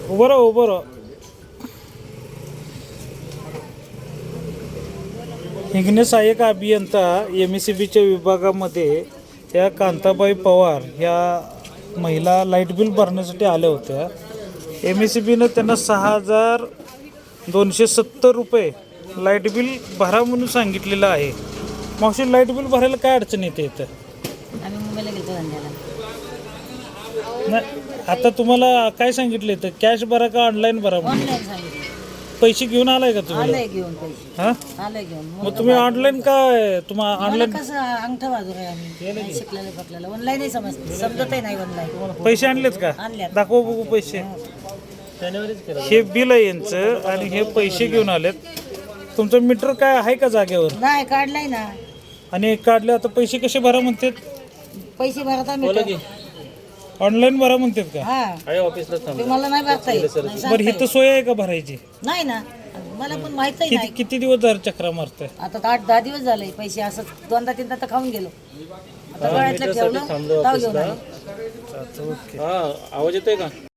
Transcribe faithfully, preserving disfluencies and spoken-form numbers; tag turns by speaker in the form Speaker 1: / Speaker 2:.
Speaker 1: उभं राहा उभं राहा. हिंगणे सहाय्यक अभियंता एम एस सी बीच्या विभागामध्ये त्या कांताबाई पवार ह्या महिला लाईट बिल भरण्यासाठी आल्या होत्या. एम एस सी बीनं त्यांना सहा हजार दोनशे सत्तर रुपये लाईट बिल भरा म्हणून सांगितलेलं आहे. मावशी लाईट बिल भरायला काय अडचण येते इथं?
Speaker 2: आम्ही मुंबईला गेलो धंद्याला.
Speaker 1: नाही आता तुम्हाला काय सांगितलं इथं, कॅश भरा का ऑनलाईन भरा म्हणून?
Speaker 2: ऑनलाईन सांगितलं.
Speaker 1: पैसे घेऊन आलाय का तुम्ही?
Speaker 2: आलंय घेऊन पैसे.
Speaker 1: हां
Speaker 2: आलंय घेऊन.
Speaker 1: मग तुम्ही ऑनलाईन काय तुम्हाला
Speaker 2: मला
Speaker 1: ऑनलाईन
Speaker 2: कसं अंगठा बाजूर आहे आम्ही नाही शिकलेलं फकलेलं ऑनलाईनही समज समजतही नाही ऑनलाईन.
Speaker 1: पैसे आणलेत का?
Speaker 2: आणल्यात.
Speaker 1: दाखवा बघू पैसे. हे बिल आहे यांचं आणि हे पैसे घेऊन आलेत. तुमचं मीटर काय आहे का जागेवर?
Speaker 2: नाही काढलाय ना.
Speaker 1: आणि काढले आता पैसे कसे भरा म्हणतात?
Speaker 2: पैसे भरत आम्ही.
Speaker 1: ऑनलाईन भरा म्हणतात का?
Speaker 2: हा ऑफिसला तुम्हाला नाही भरता येत. नाही
Speaker 1: बरं
Speaker 2: सांगता
Speaker 1: इथं सोय आहे का भरायची?
Speaker 2: येत. नाही ना मला पण माहितही
Speaker 1: किती
Speaker 2: नाही.
Speaker 1: किती दिवस झाले चक्रा मारताय?
Speaker 2: आता आठ दहा दिवस झाले पैसे असं दोनदा तीनदा तर खाऊन गेलो. आता गळ्यातलं ठेवलं ताव घेऊन आले.
Speaker 1: आवाज येतोय का?